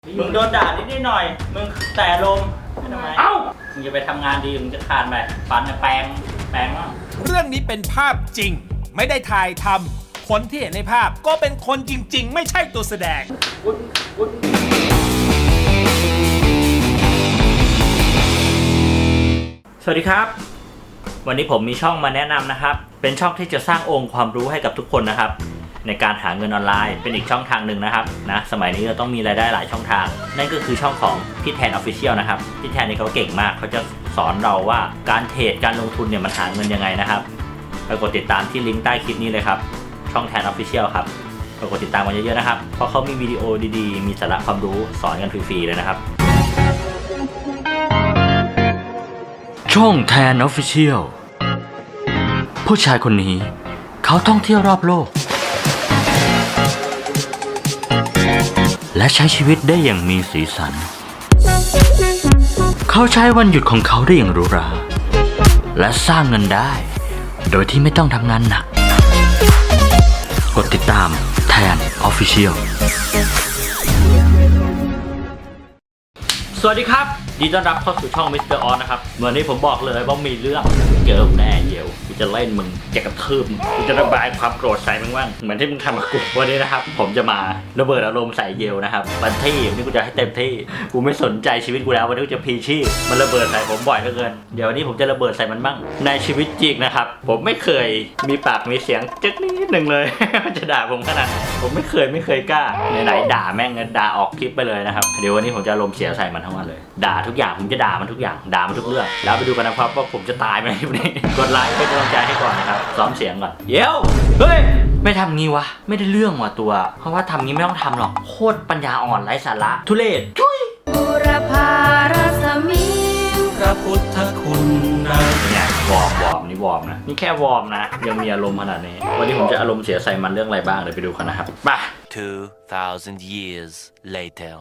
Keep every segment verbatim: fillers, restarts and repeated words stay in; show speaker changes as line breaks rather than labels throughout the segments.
มึงโดนด่านิดนิดหน่อยมึงแต่ลมทำไมเอ้ามึงจะไปทำงานดีมึงจะคานไปฟันแปลงแปลงบ้าง
เรื่องนี้เป็นภาพจริงไม่ได้ถ่ายทำคนที่เห็นในภาพก็เป็นคนจริงๆไม่ใช่ตัวแสดง
สวัสดีครับวันนี้ผมมีช่องมาแนะนำนะครับเป็นช่องที่จะสร้างองค์ความรู้ให้กับทุกคนนะครับในการหาเงินออนไลน์เป็นอีกช่องทางหนึ่งนะครับนะสมัยนี้เราต้องมีรายได้หลายช่องทางนั่นก็คือช่องของพี่แทน Official นะครับพี่แทนนี่เขาเก่งมากเขาจะสอนเราว่าการเทรดการลงทุนเนี่ยมันหาเงินยังไงนะครับไปกดติดตามที่ลิงก์ใต้คลิปนี้เลยครับช่องแทน Official ครับไปกดติดตามกันเยอะๆนะครับเพราะเขามีวิดีโอดีๆมีสาระความรู้สอนกันฟรีๆเลยนะครับช่องแทน Official ผู้ชายคนนี้เขาท่องเที่ยวรอบโลกและใช้ชีวิตได้อย่างมีสีสันเขาใช้วันหยุดของเขาได้อย่างหรูหราและสร้างเงินได้โดยที่ไม่ต้องทำงานหนักกดติดตามแทน Official สวัสดีครับยินดีต้อนรับเข้าสู่ช่องมิสเตอร์ออสนะครับวันนี้ผมบอกเลยว่ามีเรื่องเจอแน่เยวกูจะเล่นมึงจะกระทืบมึงกูจะระบายความโกรธใส่มึงบ้างเหมือนที่มึงทำกับกูวันนี้นะครับผมจะมาระเบิดอารมณ์ใส่เยวนะครับวันที่วันนี้กูจะให้เต็มที่กูไม่สนใจชีวิตกูแล้ววันนี้กูจะพีชีพมันระเบิดใส่ผมบ่อยเหลือเกินเดี๋ยววันนี้ผมจะระเบิดใส่มันบ้างในชีวิตจริงนะครับผมไม่เคยมีปากมีเสียงจึ๊กนิดหนึ่งเลย จะด่าผมขนาดผมไม่เคยไม่เคยกล้าไหนๆด่าแม่งด่าออกคลิปไปเลยนะครับเดี๋ยววันนี้ผมจะอารมณ์เสียใส่มันทั้งวันเลยด่าทุกอย่างผมจะด่ามันทุกอย่างด่ามันทุกเรื่องแล้วไปดูกันนะครับว่าผมจะตายไหมวันนี้กดไลค์เป็นกำลังใจให้ก่อนนะครับซ้อมเสียงก่อนเดี๋ยวเฮ้ยไม่ทำงี้วะไม่ได้เรื่องว่ะตัวเพราะว่าทำงี้ไม่ต้องทำหรอกโคตรปัญญาอ่อนไร้สาระทุเรศจุ้ย
บุรพารสมิง
พระพุทธคุณนะเนี่ยวอร์มวอร์มนี่วอร์มนะนี่แค่วอร์มนะยังมีอารมณ์ขนาดนี้วันนี้ผมจะอารมณ์เสียใส่มันเรื่องอะไรบ้างเดี๋ยวไปดูกันนะครับไป
two thousand years later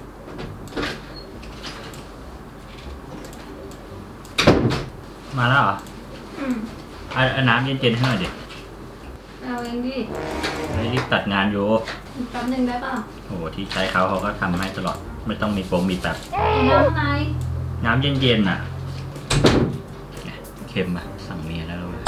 มาแล้วเหรอ
อืม
เอาน้ำเย็นๆให้หน่อยดิ
เอาเองดิ
ไม่รีบตัดงานอยู่
แป๊บนึงได้ป่ะ
โอ้โหที่ใช้เขาเขาก็ทำให้ตลอดไม่ต้องมีโปรมีแบบ
น้ำอะไร
น้ำเย็นๆน่ะเค็มอ่ะสั่งเมียแล้วเลย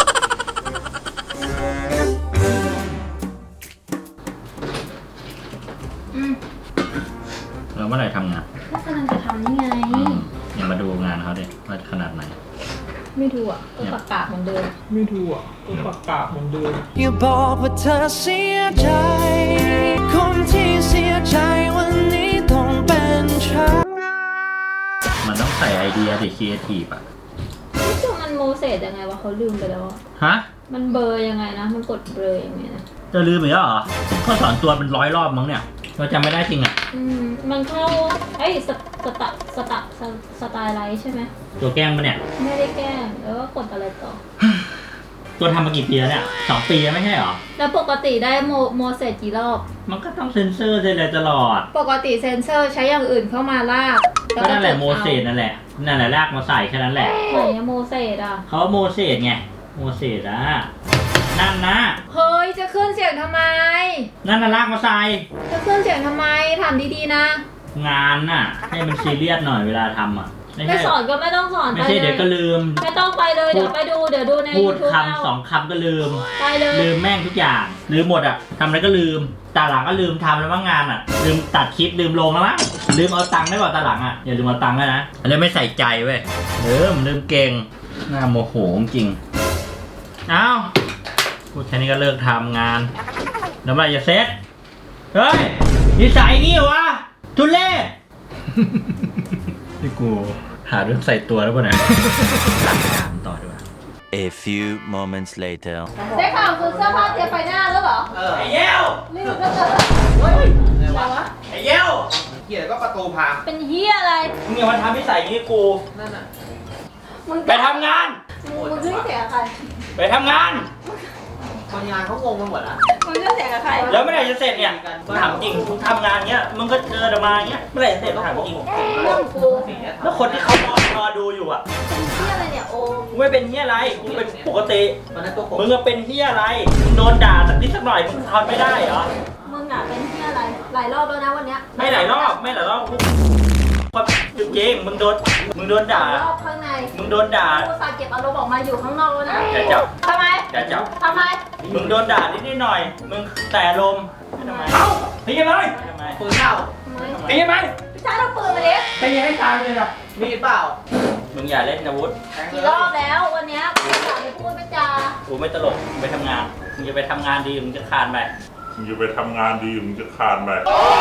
อืม
แล้วเมื่อไหร่ทำงาน
ก็กำลังจะทำนี่ไง
อย่ามาดูงานเขาดิว่าขนาดไหน
ไม่ดูอ่ะก็ปากกาเหมือนเดิม
ไม่ดูอ่ะก็ปากกาเหมือนเดิม
อย่าบอกว่าเธอเสียใจคนที่เสียใจวันนี้ต้องเป็นฉัน
มันต้องใส่ไอเดียดิครีเอทีฟอ่ะ
ไม่จมันโมเสสยังไงวะเขาลืมไปแล้ว
ฮะ
มันเบอร์ยังไงนะมันกดเบอร์ยังไงนะ
จะลืมอีกแล้วเหรอเขาสอนตัวเป็นร้อยรอบมั้งเนี่ยเราจำไม่ได้จริงอ่ะ
อืมมันเข้าไอ้สสตสตสไตล์ไลท์ใช่ไหม
ตัวแกล้งปะเนี่ย
ไม่ได้แกล้งแล้วก็กดอะไรต่อ
ตัวทำมากี่ปีแล้วเนี่ยสองปีแล้วไม่ใช่หรอ
แล้วปกติได้โมโมเสสกี่รอบ
มันก็ต้องเซ็นเซอร์เลยตลอด
ปกติเซนเซอร์ใช้อย่างอื่นเข้ามาลาก
ก็นั่นแหละโมเสสนั่นแหละนั่นแหละลากมาใส่แค่นั้นแหละ
ไหนโมเสสอ่ะ
เขาโมเสสไงโมเสสอ่ะนั่นนะ
เฮ้ยจะขึ้นเสียงทำไม
นั่นน่ะลากมาใส่
จะขึ้นเสียงทำไมถามดีๆนะ
งานน่ะให้มันซีเรียสหน่อยเวลาทำอ่ะ
ไม่สอนก็ไม่ต้องสอน
ไม่ใช่เดี๋ยวก็ลืม
ไม่ต้องไปเลยเดี๋ยวไปดูเดี๋ยวดูใน
พูดคำสองคำก็ลืม
ไปเลย
ลืมแม่งทุกอย่างลืมหมดอ่ะทำอะไรก็ลืมตาหลังก็ลืมทำแล้วมั้งงานอ่ะลืมตัดคลิปลืมลงแล้วมั้งลืมเอาตังค์ได้ป่ะตาหลังอ่ะอย่าลืมเอาตังค์นะอันนี้ไม่ใส่ใจเว้ยเออมันลืมเก่งน่าโมโหจริงเอ้าพูดแค่นี้ก็เลิกทำงานแล้วเมื่อไหร่จะเซ็ตเฮ้ยนิสัยงี้วะทุเรศนี่กูหาเรื่องใส่ตัวแล้วป่ะเนี่ยถามต่อดีกว่า
A few moments later
ได้ข่าวคือเสื้อผ้าเตรียมไปหน้าแล้วเหรอ
ไอ้เย้ว
รีบก็เจอเฮ้ยอะไรวะ
ไอ้เย้ว
เกียร์ก็ประตูพัง
เป็นเหี้ยอะไร
มึงอย่ามาทำนิสัยงี้กู
นั่นน่ะ
มึง
ไปทำงาน
มึงขึ้นเสียงใคร
ไปทำงาน
คนงานเขางงไปหมดแล้ว
มึงขึ้นเสียงกับใคร
แล้วเมื่อไหร่จะเสร็จเนี่ยถามจริงมึงทำงานเงี้ยมึงก็เจอเดี๋ยวมาเงี้ยเมื่อไหร่จะเสร็จถามจริง
เรื่องกู
แล้วคนที่เขารอรอดูอยู่อ่ะ
เป็นเหี้ยอะไรเนี่ยโอ้
มึงไม่เป็นเหี้ยอะไรมึงเป็นปกติมึงก็เป็นเหี้ยอะไรมึงโดนด่าสักนิดสักหน่อยมึงทนไม่ได้เหรอ
มึงอ่ะเป็นเหี้ยอะไรหลายรอบแล้วนะวันเนี้ย
ไม่หลายรอบไม่หลายรอบกูความจริงๆมึงโดนมึงโดนด่า
รอบข้างใน
มึงโดนด่า
กูสาเก็บอารมณ์ออกมาอยู่ข้างนอกแล้วนะ
อย่าจับ
ทำไม
อย่าจับ
ทำไม
มึงโดนด่านิดๆหน่อย มึงแต่ลมทำไม
เอ้าตีกันเลย
ทำไม
ปืนเปล่า
ทำไม
ตีกันไหม
พี่ชายเราปืนมาดิ
ตีให้ตายเลยนะ
มีดเปล่า
มึงอย่าเล่นอาวุธ
กี่รอบแล้ววันเนี้ยกูสาไม่พูดไม่จา
กูไม่ตลกมึงไปทำงาน มึงจะไปทำงานดีมึงจะคานไป
มึงจะไปทำงานดีมึงจะคานไป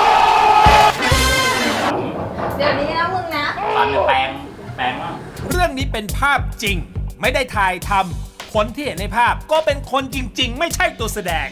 เดี๋ยวนี้นะมึงนะ
ฟันเนี่ยแปลงแปลงมั่ง
เรื่องนี้เป็นภาพจริง ไม่ได้ถ่ายทำคนที่เห็นในภาพก็เป็นคนจริง ๆ ไม่ใช่ตัวแสดง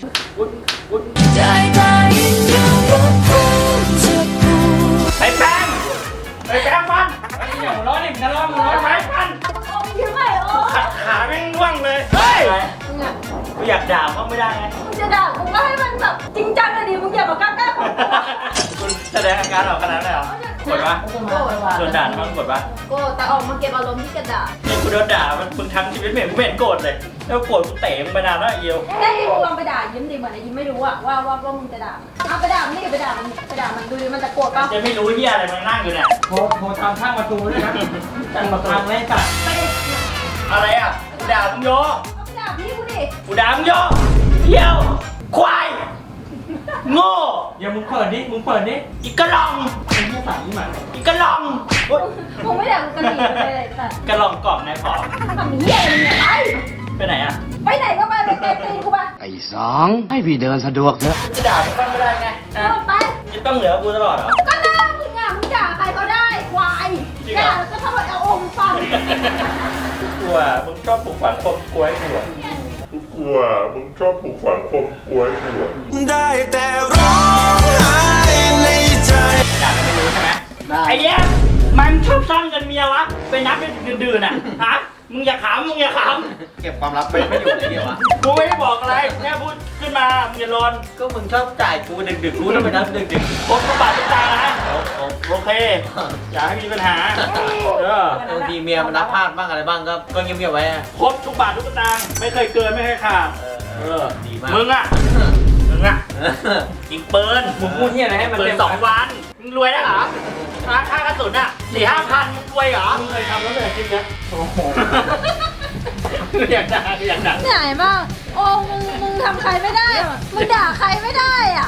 ไอ้แปลงไอ้แปลงมันไอ้อย่าหัวเร้อนดิมึงจะร้อนมึงร้อนไหมมัน
โอ้ยยิ้มไปโอ้
ขัดขาแม่งว่างเลยเฮ้ย
มึงอะ
กูอยากด่าเขาไม่ได้ไง
มึงจะด่ากูก็ให้มันแบบจริงจังเลยดิมึงอย่ามากล้าๆของกูอะ
คุณแสดงอาการออกขนาดนั้นเลยเหรอ กดปะ
โกรธ
โดนด่ามันกดปะ
โกรธแต่ออกมาเก็บอารมณ์ที่กระดาษ
นี่กูโดนด่ามันมึงทั้งชีวิตไม่เห็นกูไม่เห็นโกรธเลย แล้วโกรธกูเตะมึงไปนานแล้วไอ้เอียว
ได้ดิมึงลองไปด่ายิ้มดิเหมือนไอ้ยิ้มไม่รู้อะว่าว่าว่ามึงจะด่ามันเอาไปด่ามันนี่ไปด่ามันไปด่ามันดูดิมันจะโกรธปะ
จะไม่รู้เฮียอะไรมันนั่งอยู่เนี่ย
โทรโทรตามข้างประตูด้วยนะตั้งประตูไม่ตัด
ไปดิ
อะไรอ่ะกูด่ามึงโย
เอาไปด่าพี่กูดิ
กูด่ามึงโยเหี้ยวควายโง่
เดี๋ยวมึงเปิดดิมึงเปิดดิ
อีกกระหลอง
เป็นแค่สามนี่หมัน
อีกกระหลองโอ๊ย
มึงไม่ด่ากูกระดิ่งเลยเลยแต่
กระหลองกล่องนายผอม
ทำเหี้ยอะไรเนี่ยไป
ไปไหนอ่ะ
ไปไหนก็ไปไปเตะตีนกูไป
ไอ้สองให้พี่เดินสะดวกเถอะ
จะด่ามึงบ้างไม่ได้ไง
เอ
อ่ะ
อไป
จะต้องเหลือกูตลอดเหรอ
ก็ด่ามึงอะมึงด่าใครก็ได้ควาย
จริงเหรอ
ด่าแล้วก็ทำแบบเอาอมฟัน
กลัวมึงชอบปลูกฝังความกลัวให้กูอะ
กูกลัว มึงชอบปลูกฝังความกลัวให้กูอะ
ได้แต่ร้องไห้ในใจ
ด่าแล้วไม่รู้ใช่ไหมไอ้แย่มันชอบสร้างเงินเมียวะไปนับเป็นดื่นๆอ่ะฮะมึงอย่าขำมึงอย่าข
เก็บความลับไปไม่อยู่ในเดียวอ่ะ
ำกูไม่ได้บอกอะไรแค่พูดขึ้นมามึงอย่าลน
ก็มึงชอบจ่ายกูดึกดึกๆกูต้องไปนับดึกดึก
ครบทุกบาททุกสตางค์นะโอเค อย่าให้มีปัญหาเออบ
างทีเมียมันรับพลาดบ้างอะไรบ้างก็ก็เงียบๆไว้อะ
ครบทุกบาททุกสตางค์ไม่เคยเกินไม่เคยขาดเออ
ดีมาก
มึงอ่ะมึงอ่ะยิงปืน
มึงพูดที่อะไรให้มัน
ปืน
เต็ม
สองวันมึงรวยได้เหรอค่าค่ากระสุนอ่ะสี่ห้าพันมึงรวยเหรอ
มึงเคยทำแล้วเลยคลิปเนี้ยโอ้โห
อยากด่าอยากด่า
ไหนบ้างโอ้มึงมึงทำใครไม่ได้อะมึงด่าใครไม่ได้อ่ะ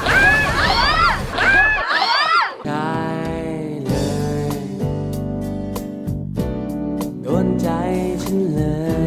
ได้เลย โดนใจฉันเลย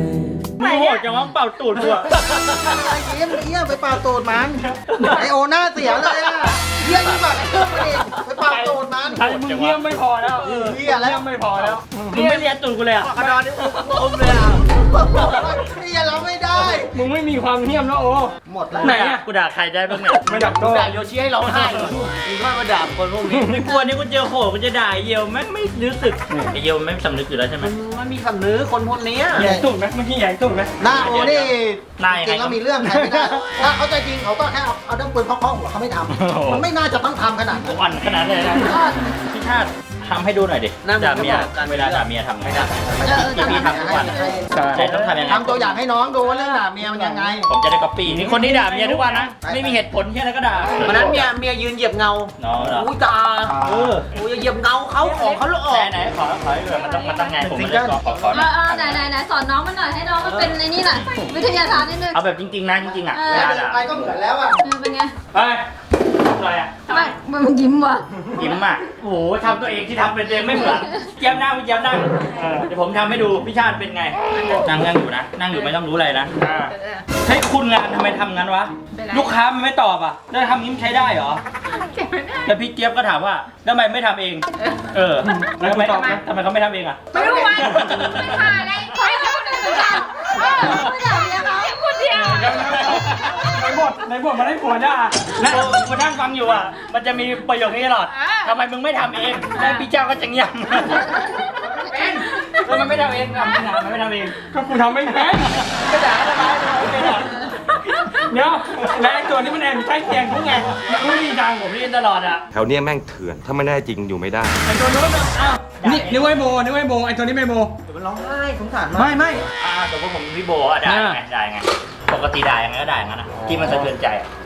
ไม่โหดจังวะเป่าตูดกูอะ
เยี่ยมเยี่ยมไปเป่าตูดมันไอโอหน้าเสียเลยอ่ะเยี่ยมยิ่งกว่าไอ้เครื่องไปอีกไปเป่าตูดมัน
ใช่มึงเยี่ยมไม่พอแล้ว
เยี่ยแล้วไม่พอแล้ว
มึงไม่เรียนตูดกูเลยอ่ะ
กระดอนนี่อมเลยอ่ะเยี่ยเราไม่ได้
มึงไม่มีความเยี่ยมแล้วโอ้
หมดแล้ว
ไหนอ่ะกูด่าใครได้บ้างเนี่ย
ไม่ดักด่าโยชิให้ร้องไห้มึงว่ามาด่าคนพวกนี้
ไม่กลัวนี่กูเจอโหกูจะด่าไอ้เยียวแม่งไม่รู้สึกไอเยียวไม่สำนึกอยู่แล้วใช่ไหม
มึงไม่มีสำนึกคนพวกนี้
ใหญ่ตุ่มไหมเมื่อกี้ใหญ่ตุ่มไหม
หน้าโอนี่
หน้ายัง
จ
ไง
ริงแล้วมีเรื่องใครไม่ได้ถ้าเขาใจจริงเขาก็แค่เอาเอาด้ามปืนเคาะๆหัวเขาไม่ทำมันไม่น่าจะต้องทำขนาดนั้น
อ่อนขนาดเลยนะพี่ชาติทำให้ดูหน่อยดิ
นั่ง
ด่าเมีย
ก็บอกกัน
เวลาด่าเมียทำไง
เออ
ที่พี่ทำทุกวันใช่ต้องทำยังไง
ทำตัวอย่างให้น้องดูว่าเรื่องด่าเมียมันยังไง
ผมจะได้ก๊อปปี้นี่คนที่ด่าเมียทุกวันนะไม่มีเหตุผลแค่นั้นก็ด่า
วันนั้นเมียเมียยืนเหยียบเงา
น้องเหรอ
อุ้ยตา
เออ
อุ้ยเหยียบเงาเขาของเขาแล้วออก
ไหนไหนขอขอให้ดูมันต้องมันต้องไงผมไม่ได้ขอขอขอ
เออเออไหนไหนไหนสอนน้องมันหน่อยให้น้องมันเป็นในนี่หน่อยวิทยาศาสตร์นิดนึง
เอาแบบจริงๆนะจริงๆอ่ะ
เออ
เวลา
เดิน
ด่า
ไปก็เหมือนแล้วอ่ะ
เออเป็นไง
ไปอะไรอ่ะ
ไม่มันยิ้มว่ะ
ยิ้มอ่ะโอ้โหทำตัวเองที่ทำเป็นตัวเองไม่เหมือนเย้มหน้าพี่เย้มหน้าเออเดี๋ยวผมทำให้ดูพี่ชาติเป็นไงนั่งนั่งอยู่นะนั่งอยู่ไม่ต้องรู้อะไรนะให้คุณงานทำไมทำงั้นวะลูกค้ามันไม่ตอบอ่ะแล้วทำงี้มันใช้ได้เหรอแล้วพี่เจี๊ยบก็ถามว่าแล้วทำไมไม่ทำเอง เออแล้วทำไมทำไมเขาไม่ทำเองอ่ะ
ไม่รู้ไหมไม่ผ่านเลยเขาให้คนอื่นเหมือนกันเออไม่ด่าเมียเขาคนเดียว
ในบทในบทมาได้ผัวด่า
แล้วมานั่งฟังอยู่อ่ะมันจะมีประโยคนี้ตลอดทำไมมึงไม่ทำเองแล้วพี่เจ้าก็จะเงียบเป็นแล้วมันไม่ทำเองทำไม่ทำมันไม่ทำเอง
ก็กูทำไม่เป็น
ก็ด่าทำไมไม่เป็นหรอ
เดี๋ยวและไอ้ตัวนี้มันแอบใกล้เคียงทุกไงมันไม่มีทาง
ผมเรียนตลอดอ่ะ
แถวเนี้ยแม่งเถื่อน ถ้าไม่แน่จริงอยู่ไม่ได้
ไอ้ตัวนู้นอ่ะอ้าว
นี่นึกว่าไอ้โบนึกว่าไอ้โบไอ้ตัวนี้ไม่โบ
มันร้องไห้สงสารมาก
ไม่ไม่
อ่าแต่ว่าผมพี่โบอ่ะด่าไงด่าไงปกติด่ายังไงก็ด่าอย่างนั้นนะที่มันสะเทือนใจอ่ะ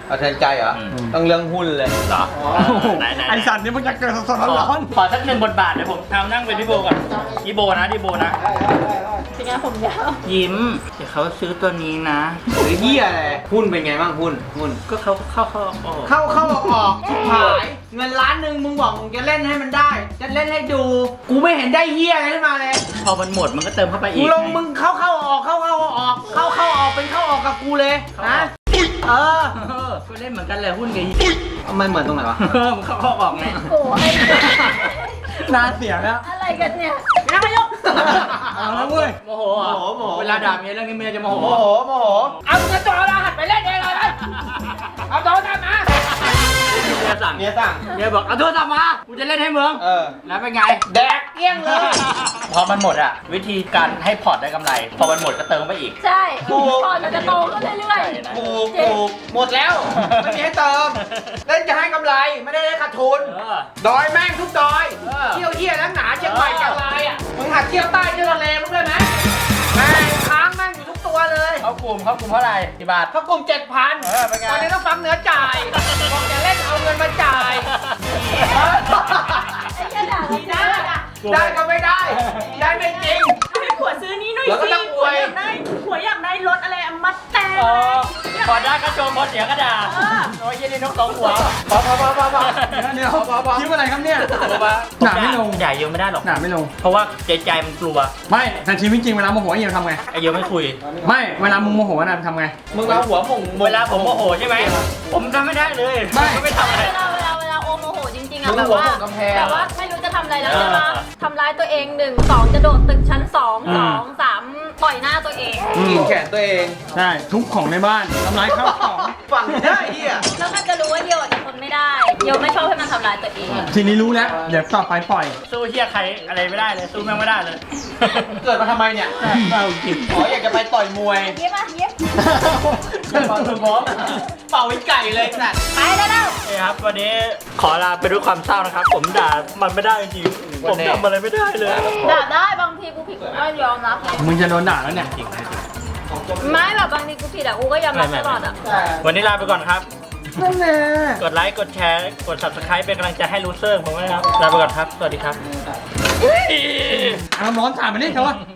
เอาแทนใจเหรอ
อืม
ต้องเรื่องหุ้นเลย
เหรอไหนไหน
ไอสัตว์นี่มันจะเกิดสดๆร้อน
ขอสักหนึ่งบทบาทเดี๋ยวผมทำนั่งเป็นพี่โบก่อนพี่โบนะพี่โบนะ
เป็นไงผมยาว
ยิ้มเดี๋ยวเขาซื้อตัวนี้นะ
หรือเหี้ยอะไรหุ้นเป็นไงบ้างหุ้นหุ้น
ก็เขาเข้าเข้าออก
เข้าเข้าออกออกชิบหายเงินล้านหนึ่งมึงบอกมึงจะเล่นให้มันได้ จะเล่นให้ดู กูไม่เห็นได้เหี้ยอะไรขึ้นมาเลย
พอมันหมดมันก็เติมเข้าไป
กู
อีก
ลงมึงเข้าเข้าออกเข้าเข้าออกเข้าเข้าออกเป็นเข้าออกกับกูเลยนะเออ
เออก็เล่นเหมือนกันเลยหุ้นกับ
ทำไมเหมือนตรงไหนวะ
เออมันเข้าเข้าออกไง
โอ้ย
ๆน่าเสียแล้ว
อะไรกันเนี่ยนายก
เอาแล้วเว้ย
โมโหเหรอ
โมโหโมโห
เวลาด่าเมียเรื่องนี้เมียจะโมโห
โมโหโมโห
เอากระจกเราหัดไปเล่นเองเลยนะเอาโดนกันนะ
เมียสั่ง
เมียสั่ง
เมียบอกเอาโทรศัพท์มากูจะเล่นให้มึง
เออ
แล้วเป็นไง
แดกเกลี้ยงเลย
พอมันหมดอะวิธีการให้พอร์ตได้กำไร พอมันหมดก็เติมไปอีก
ใช่
ถูก
พอมันจะโตขึ้นเรื่อย
ใช่นะ
ถูกถูกหมดแล้ว ไม่มีให้เติม เล่นจะให้กำไรไม่ได้ให้ขาดทุน
เออ
ดอยแม่งทุกดอย
เออ
เที่ยวเที่ยวแล้วหนาเชียงใหม่จังไรอ่ะ มึงหัดเที่ยวใต้เที่ยวทะเลมึงด้วยไหมแม่งค้างแม่งอยู่ทุกตัวเลย
เขากลุ่มเขากลุ่มเท่าไหร่กี่บาท
เขากลุ่มเจ็ดพัน
เออเป็นไง
ตอนนี้ต้องฟังเหนือจ่ายบอกจะเล่นเอาเงินมาจ่าย
ๆไอ้เหี้ยด่าเรา
ได้
ได้อะ
ได้ก็ไม่ได้ ได้ไม่จริง
ให้ผัวซื้อนี้หน่อย
แล้วก็
สิ
ต้องอวย
ผัวอยากได้ผัวอยากได้รถอะไรอะมัดแต่ง
เออพอได้ก็โจมพอเสียก็ด่าโอ้ยยี่นี่นกสองหัว
พอพอพอพอพอ
เดี๋ยวคิดว่าอะไรครับเนี่ย หนาไม่ลง
ด่าเยอะไม่ได้หรอก
หนาไม่ลง
เพราะว่าใจใจมันกลัว
ไม่แต่ชีวิตจริงเวลาโมโหเฮียทำไง
ไอ้เยอะไม่คุย
ไม่เวลามึงโมโหนะทำไง
มึงเอาหัวหม่ง
เวลาผมโมโหใช่ไหม ผมทำไม่ได้เลย
ไม่
ผมไม่ทำอะไร
เวลาเวลาเวลาโอโมโหจริงๆ
มึ
อะ
ง
แบบ
หัว
ว่า
หม่งกำแพง
แบบว่าไม่รู้จะทำอะไรแล้ว
เออ
ใช่ปะทำร้ายตัวเองหนึ่งสองจะโดดตึกชั้นสองสองสามต่อยหน้าตัวเอง
กินแขนตัวเอง
ใช่ทุบของในบ้านทำร้ายข้าวของ
ฝั่งได้เฮีย
แล้วมันจะรู้ว่าเดียวอาจจะทนไม่ได้เดียวไม่ชอบให้มันทำร้ายตัวเอง
ทีนี้รู้แล้ว เดี๋ยวต่อไปปล่อย
สู้เฮียใครอะไรไม่ได้เลย สู้แม่งไม่ได้เลย
เกิดมาทำไมเนี่ย
เอาจริง
อ๋ออยากจะไปต่อยมวย
เย็บมาเย็บ
เป่าถึงพร้อมเป่าไอ้ไก่เลยสัตว์
ไปแล้วแล้ว
นี่ครับวันนี้ขอลาไปด้วยความเศร้านะครับ ผมด่ามันไม่ได้จริงๆผมทำอะไรไม่ได้เลย
ด่าได้บางทีกูผิดกูก็ยอมรับไง
มึงจะโดนด่าแล้วเนี่ย
ไม่แบบบางทีกูผิดอะกูก็ยอมรับตลอดอะ
วันนี้ลาไปก่อนครับ
นั่นแหละ
กดไลค์ กดแชร์ กด ซับสไครบ์ เป็นกำลังใจให้ลูเซอร์ผมด้วยนะครับ ลาไปก่อนครับ สวัสดีครับ
เอาร้อนถามมาดิเถอะ